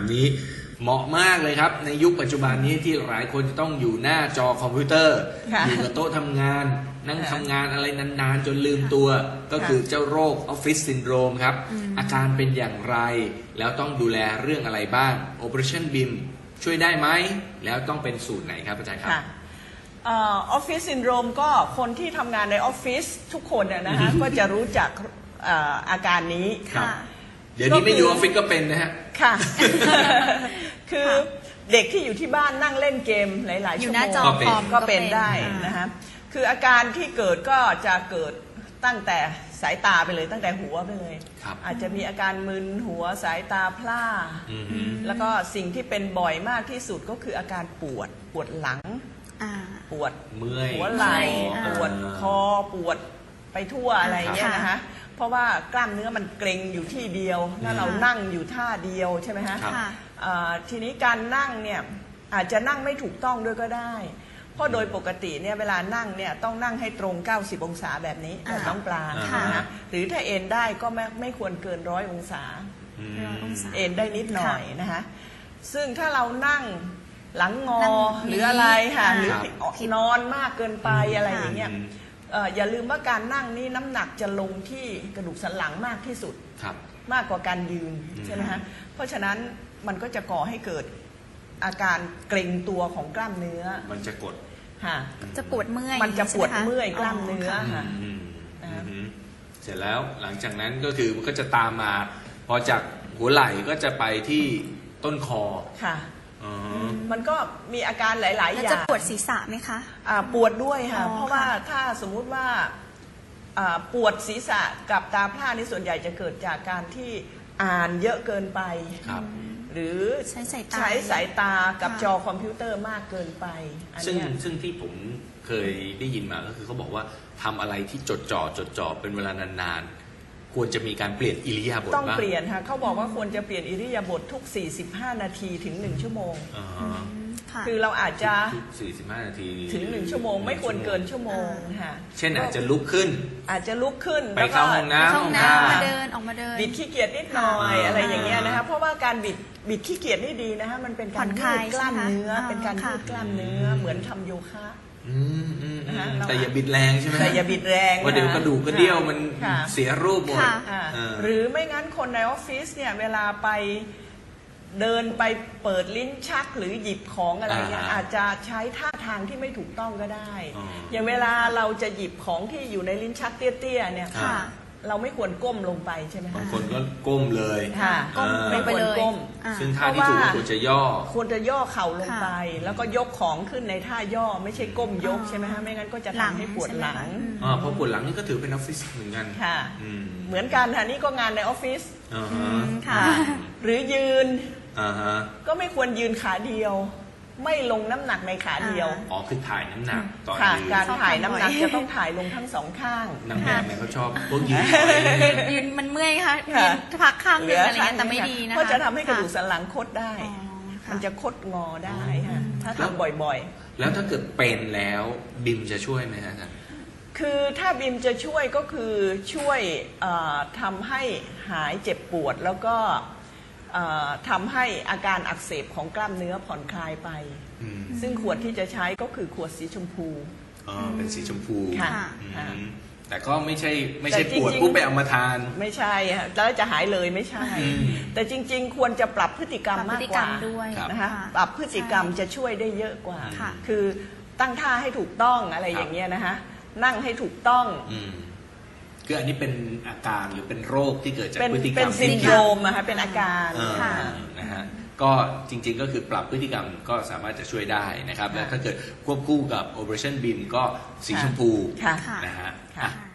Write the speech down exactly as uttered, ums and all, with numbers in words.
นี้เหมาะมากเลยครับในยุคปัจจุบันนี้ที่หลายคนจะต้องอยู่หน้าจอคอมพิวเตอร์อยู่กับโต๊ะทำงานนั่งทำงานอะไรนานๆจนลืมตัวก็คือเจ้าโรคออฟฟิศซินโดรมครับอาการเป็นอย่างไรแล้วต้องดูแลเรื่องอะไรบ้าง Operation บี ไอ เอ็ม ช่วยได้ไหมแล้วต้องเป็นสูตรไหนครับอาจารย์ครับออฟฟิศซินโดรมก็คนที่ทำงานในออฟฟิศทุกคนนะฮะก็จะรู้จักอาการนี้เดี๋ยวนี้ไม่อยู่ออฟฟิศก็เป็นนะฮะค่ะคือเด็กที่อยู่ที่บ้านนั่งเล่นเกมหลายๆชั่วโมงก็เป็นได้นะฮะคืออาการที่เกิดก็จะเกิดตั้งแต่สายตาไปเลยตั้งแต่หัวไปเลยอาจจะมีอาการมึนหัวสายตาพร่าแล้วก็สิ่งที่เป็นบ่อยมากที่สุดก็คืออาการปวดปวดหลังปวดเมื่อยหัวไหล่ปวดคอปวดไปทั่วอะไรเงี้ยนะคะเพราะว่ากล้ามเนื้อมันเกร็งอยู่ที่เดียวถ้าเรานั่งอยู่ท่าเดียวใช่ไหมฮะทีนี้การนั่งเนี่ยอาจจะนั่งไม่ถูกต้องด้วยก็ได้เพราะโดยปกติเนี่ยเวลานั่งเนี่ยต้องนั่งให้ตรงเก้าสิบองศาแบบนี้แบบน้องปลานะหรือถ้าเอนได้ก็ไม่ไม่ควรเกินร้อยองศาเอนได้นิดหน่อยนะคะซึ่งถ้าเรานั่งหลังงอหรืออะไรค่ะหรือนอนมากเกินไปอะไรอย่างเงี้ยอย่าลืมว่าการนั่งนี่น้ำหนักจะลงที่กระดูกสันหลังมากที่สุดมากกว่าการยืนใช่ไหมฮะเพราะฉะนั้นมันก็จะก่อให้เกิดอาการเกร็งตัวของกล้ามเนื้อมันจะกดค่ะจะปวดเมื่อยมันจะปวดเมื่อยกล้ามเนื้อค่ะเสร็จแล้วหลังจากนั้นก็คือมันก็จะตามมาพอจากหัวไหล่ก็จะไปที่ต้นคอค่ะมันก็มีอาการหลายๆอย่างจะปวดศีรษะไหมคะปวดด้วยค่ะเพราะว่าถ้าสมมุติว่าปวดศีรษะกับตาพร่านี่ส่วนใหญ่จะเกิดจากการที่อ่านเยอะเกินไปหรือใช้สายตาใช้สายตากับจอคอมพิวเตอร์มากเกินไปซึ่งซึ่งที่ผมเคยได้ยินมาก็คือเขาบอกว่าทำอะไรที่จดจ่อจดจ่อเป็นเวลานานๆควรจะมีการเปลี่ยนอิริยาบถต้องเปลี่ยนค่ะเขาบอกว่าควรจะเปลี่ยนอิริยาบถทุกสี่สิบห้านาทีถึงหนึ่งชั่วโมงคือเราอาจจะสี่สิบห้านาทีถึงหนึ่งชั่วโมงไม่ควรเกินชั่วโมงค่ะเช่นอาจจะลุกขึ้นอาจจะลุกขึ้นไปเข้าห้องน้ำห้องน้ำมาเดินออกมาเดินบิดขี้เกียจนิดหน่อยอะไรอย่างเงี้ยนะคะเพราะว่าการบิดบิดขี้เกียจนี่ดีนะคะมันเป็นการยืดกล้ามเนื้อเป็นการยืดกล้ามเนื้อเหมือนทำโยคะแต่อย่าบิดแรงใช่ไหมแต่อย่าบิดแรงว่าเดี๋ยวกระดูกกระเดี่ยวมันเสียรูปหมดหรือไม่งั้นคนในออฟฟิศเนี่ยเวลาไปเดินไปเปิดลิ้นชักหรือหยิบของอะไรเงี้ยอาจจะใช้ท่าทางที่ไม่ถูกต้องก็ได้อย่างเวลาเราจะหยิบของที่อยู่ในลิ้นชักเตี้ยๆเนี่ยเราไม่ควรก้มลงไปใช่ไหมคะบางคนก็ก้มเลยค่ะก้มไม่ควรก้มซึ่งท่าที่ถูกควรจะย่อควรจะย่อเข่าลงไปแล้วก็ยกของขึ้นในท่าย่อไม่ใช่ก้มยกใช่ไหมคะไม่งั้นก็จะทำให้ปวดหลังอ๋อเพราะปวดหลังนี่ก็ถือเป็นออฟฟิศเหมือนกันค่ะเหมือนกันค่ะนี่ก็งานในออฟฟิศค่ะหรือยืนก็ไม่ควรยืนขาเดียวไม่ลงน้ำหนักในขาเดียวอ๋อคือถ่ายน้ำหนักตอนยืนการถ่ายน้ำหนักจะต้องถ่ายลงทั้งสองข้างนางแบบเนี่ยเขาชอบพวกยืนยืนมันเมื่อยค่ะยืนพักข้างนึงอะไรเงี้ยแต่ไม่ดีนะคะก็จะทำให้กระดูกสันหลังคดได้มันจะคดงอได้ค่ะถ้าทำบ่อยๆแล้วถ้าเกิดเป็นแล้วบิมจะช่วยไหมฮะอาจารย์คือถ้าบิมจะช่วยก็คือช่วยทำให้หายเจ็บปวดแล้วก็ทำให้อาการอักเสบของกล้ามเนื้อผ่อนคลายไปซึ่งขวดที่จะใช้ก็คือขวดสีชมพูอ๋อเป็นสีชมพูค่ะแต่ก็ไม่ใช่ไม่ใช่ปวดปุ๊บไปเอามาทานไม่ใช่แล้วจะหายเลยไม่ใช่แต่จริงๆควรจะปรับพฤติกรรมมากกว่านะคะปรับพฤติกรรมจะช่วยได้เยอะกว่าคือตั้งท่าให้ถูกต้องอะไรอย่างเงี้ยนะคะนั่งให้ถูกต้องคืออันนี้เป็นอาการหรือเป็นโรคที่เกิดจากพฤติกรรมเป็นซินโดรมนะคะเป็นอาการนะฮะก็จริงๆก็คือปรับพฤติกรรมก็สามารถจะช่วยได้นะครับและถ้าเกิดควบคู่กับ Operation บี ไอ เอ็ม ก็สีชมพูนะฮะ